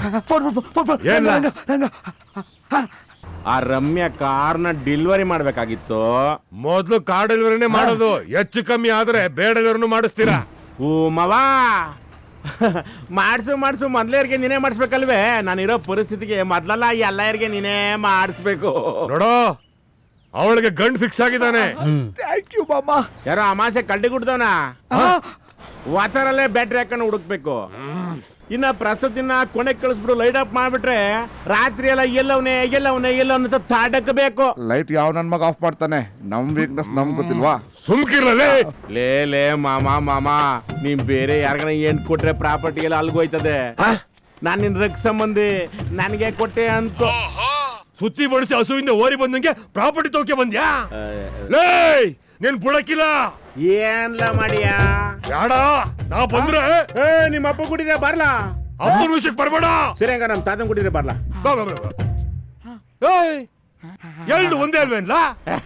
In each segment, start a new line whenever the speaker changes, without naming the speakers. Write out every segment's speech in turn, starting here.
ಆ ರಮ್ಯಾ ಕಾರ್ನ ಡೆಲಿವರಿ ಮಾಡ್ಬೇಕಾಗಿತ್ತು.
ಮೊದ್ಲು ಕಾರ್ ಡೆಲಿವರಿನೇ ಮಾಡೋದು. ಹೆಚ್ಚು ಕಮ್ಮಿ ಆದ್ರೆ ಬೇಡದವ್ರನ್ನು ಮಾಡಿಸ್ತೀರಾ?
ಓ ಮವಾ ಮಾಡ್ಸು ಮೊದ್ಲೇರ್ಗೆ ನೀನೇ ಮಾಡಿಸ್ಬೇಕಲ್ವೇ? ನಾನಿರೋ ಪರಿಸ್ಥಿತಿಗೆ ಮೊದ್ಲಲ್ಲ ಎಲ್ಲರಿಗೆ ನೀನೇ ಮಾಡಿಸ್ಬೇಕು.
ನೋಡೋ, ಅವಳಿಗೆ ಗಂಡ್ ಫಿಕ್ಸ್ ಆಗಿದ್ದಾನೆ.
ಥ್ಯಾಂಕ್ ಯು ಮಾಮ.
ಯಾರೋ ಅಮಾಸೆ ಕಳ್ಳಿ ಕುಡ್ದವನ ವಾತರಲ್ಲೇ ಬ್ಯಾಟ್ರಿ ಹಾಕೊಂಡು ಹುಡುಕ್ಬೇಕು. ಇನ್ನ ಪ್ರಸ್ತುತಿನ ಕೊನೆ ಕಳಿಸ್ಬಿಡು, ಲೈಟ್ ಆಫ್ ಮಾಡ್ಬಿಟ್ರೆ ರಾತ್ರಿ ಎಲ್ಲ ಎಲ್ಲವನೇ ತಾಡಕಬೇಕು.
ಲೈಟ್ ಯಾವ ನನ್ ಮಗ ಆಫ್ ಮಾಡ್ತಾನೆ? ನಮ್ ವೀಕ್ನೆಸ್ ನಮ್ ಗೊತ್ತಿಲ್ವಾ?
ಸುಮ್ಕಿರಲೇ.
ಲೇ ಮಾಮ ನೀನ್ ಬೇರೆ ಯಾರಿಗಾನ ಏನ್ ಕೊಟ್ರೆ ಪ್ರಾಪರ್ಟಿ ಎಲ್ಲ ಅಲ್ಗೋಯ್ತದೆ. ನಾನ್ ನಿನ್ ರಕ್ ಸಂಬಂಧಿ, ನನಗೆ ಕೊಟ್ಟೆ ಅಂತ
ಸುತ್ತಿ ಬಡಿಸಿ ಹಸುವಿಂದ ಓರಿ ಬಂದಂಗೆ ಪ್ರಾಪರ್ಟಿ ತೋಕೆ ಬಂದ್ಯಾ? ಲೇ, ನೀನ್ ಬುಡಕಿಲ್ಲ.
ಏನ್ಲ ಮಾಡಿಯಾ?
ಯಾಡ ನಾ ಬಂದ್ರೆ
ನಿಮ್ಮ ಅಪ್ಪ ಕುಡಿದ್ರೆ ಬರ್ಲಾ?
ಅಪ್ಪನ ವಿಷಯಕ್ಕೆ ಬರ್ಬೇಡ.
ಸರಿ ಹಂಗ ನಮ್ ತಾತನ್ ಕುಡಿದ್ರೆ ಬರ್ಲಾ?
ಎರಡು ಒಂದೇ ಅಲ್ವೇನ್ಲಾ?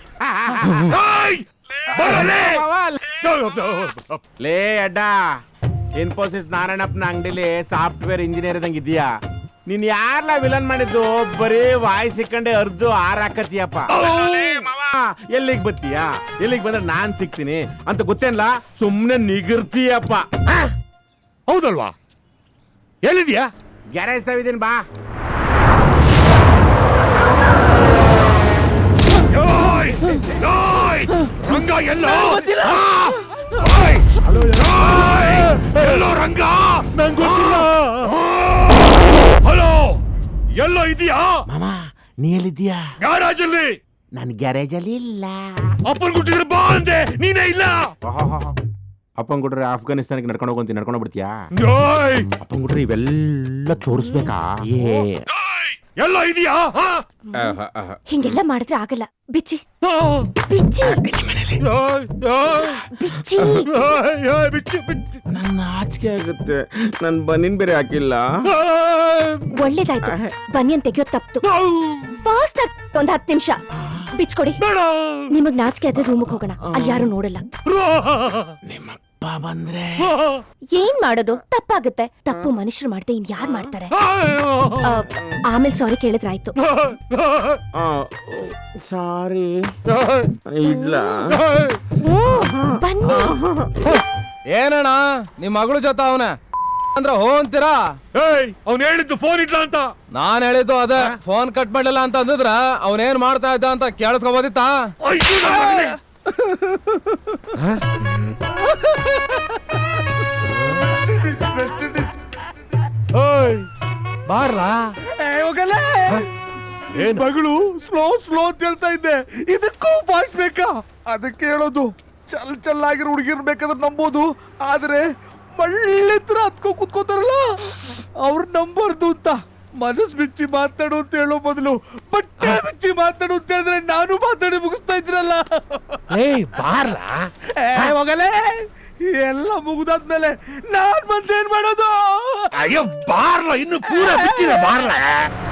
ಲೇ ಅಡ್ಡ, ಇನ್ಫೋಸಿಸ್ ನಾರಾಯಣಪ್ಪನ ಅಂಗಡಿಲಿ ಸಾಫ್ಟ್ವೇರ್ ಇಂಜಿನಿಯರ್ ಇದಂಗ ಇದೀಯಾ? ನೀನ್ ಯಾರ್ಲ ವಿಲನ್ ಮಾಡಿದ್ದು? ಬರೀ ವಾಯ್ ಸಿಕ್ಕಂಡೆ ಅರ್ದು ಹಾಕತ್ತೀಯಪ್ಪ. ಎಲ್ಲಿಗ್ ಬತ್ತೀಯಾ? ಎಲ್ಲಿಗ್ ಬಂದ್ರೆ ನಾನ್ ಸಿಗ್ತೀನಿ ಅಂತ ಗೊತ್ತೇನ್ಲ? ಸುಮ್ನೆ ನಿಗಿರ್ತೀಯಪ್ಪ.
ಹೌದಲ್ವಾ? ಎಲ್ಲಿದ್ಯಾ?
ಗ್ಯಾರೇಜ್ ತಾವಿದ್ದೀನಿ ಬಾ.
ರಂಗ ಎಲ್ಲೋ? ಎಲ್ಲೋ ರಂಗ? ಹಲೋ, ಎಲ್ಲೋ ಇದೀಯಾ?
ಮಾಮ ನೀ ಎಲ್ಲಿದ್ದೀಯಾ?
ಗ್ಯಾರೇಜ್ ಅಲ್ಲಿ.
ನನ್ ಗ್ಯಾರೇಜ್ ಅಲ್ಲಿ ಇಲ್ಲ.
ಅಪ್ಪನ್ ಗುಟ್ಟಿದ್ರೆ ಬಾ ಅಂದೆ, ನೀನೇ ಇಲ್ಲ.
ಅಪ್ಪನ್ ಕೊಟ್ರೆ ಆಫ್ಘಾನಿಸ್ತಾನಕ್ಕೆ ನಡ್ಕೊಂಡು ಹೋಗ್ಬಿಡ್ತೀಯಾ? ಅಪ್ಪನ್ ಕೊಟ್ರೆ ಇವೆಲ್ಲ ತೋರಿಸ್ಬೇಕಾ?
ಎಲ್ಲೋ ಇದೀಯಾ?
ಹಿಂಗೆಲ್ಲ ಮಾಡಿದ್ರೆ ಆಗಲ್ಲ. ಬಿಚ್ಚಿ ಬಿಚ್ಚಿ
ಬಿಚ್ಚು.
ನನ್ನ ನಾಚಿಕೆ ಆಗುತ್ತೆ. ನನ್ ಬನ್ನಿನ್ ಬೇರೆ ಹಾಕಿಲ್ಲ.
ಒಳ್ಳೇದಾಯ್ತು, ಬನ್ನಿಯನ್ ತೆಗಿಯೋದ್ ತಪ್ತು. ಫಾಸ್ಟ್ ಆಗಿ ಒಂದ್ 10 ನಿಮಿಷ ಬಿಚ್ಕೊಡಿ. ನಿಮಗ್ ನಾಚಿಕೆ ಆದ್ರೆ ರೂಮಿಗೆ ಹೋಗೋಣ, ಅಲ್ಲಿ ಯಾರು ನೋಡಲ್ಲ.
ನಿಮ್ಮಪ್ಪ ಬಂದ್ರೆ
ಏನ್ ಮಾಡೋದು? ತಪ್ಪಾಗುತ್ತೆ. ತಪ್ಪು ಮನುಷ್ಯರು ಮಾಡ್ದೆ ಇನ್ ಯಾರು ಮಾಡ್ತಾರೆ? ಆಮೇಲೆ ಸಾರಿ ಕೇಳಿದ್ರಾಯ್ತು.
ಸಾರಿ ಇಡ್ಲ.
ಬನ್ನಿ.
ಏನಣ್ಣ ನಿಮ್ ಮಗಳು ಜೊತೆ ಅವನ ಅಂದ್ರ ಹೋ ಅಂತೀರಾ?
ಅವ್ನು ಹೇಳಿದ್ದು ಫೋನ್ ಇಡ್ಲ ಅಂತ.
ನಾನ್ ಹೇಳಿದ್ದು ಅದೇ, ಫೋನ್ ಕಟ್ ಮಾಡ್ಲಿಲ್ಲ ಅಂತ ಅಂದಿದ್ರ ಅವನೇನ್ ಮಾಡ್ತಾ ಇದ್ದ ಅಂತ ಕೇಳಿಸ್ಕೊಬೋದಿತ್ತಾ?
ಬಾರ್ಲಾ.
ಮಗಳು ಸ್ಲೋ ಅಂತ ಹೇಳ್ತಾ ಇದ್ದೆ, ಇದಕ್ಕೂ ಫಾಸ್ಟ್ ಬೇಕಾ? ಅದಕ್ಕೆ ಹೇಳೋದು, ಚಲ್ ಆಗಿರೋ ಹುಡುಗಿರ್ ಬೇಕಾದ್ರೆ ನಂಬೋದು, ಆದ್ರೆ ಒಳ್ಳೆ ತರ ಹತ್ಕೊ ಕುತ್ಕೋತಾರಲ್ಲ ಅವ್ರು ನಂಬರ್ದು ಅಂತ. ಮನಸ್ ಬಿಚ್ಚಿ ಮಾತಾಡು ಅಂತ ಹೇಳೋ ಬದಲು ಬಟ್ಟೆ ಬಿಚ್ಚಿ ಮಾತಾಡು ಅಂತ ಹೇಳಿದ್ರೆ ನಾನು ಮಾತಾಡಿ ಮುಗಿಸ್ತಾ ಇದ್ರಲ್ಲ. ಹೋಗಲೇ, ಎಲ್ಲ ಮುಗಿದಾದ್ಮೇಲೆ ನಾನ್ ಬಂದೇನ್ ಮಾಡೋದು?
ಅಯ್ಯೋ ಬಾರ್ಲ, ಇನ್ನು ಪೂರ ಬಿಚ್ಚಿದೆ ಬಾರ್ಲ.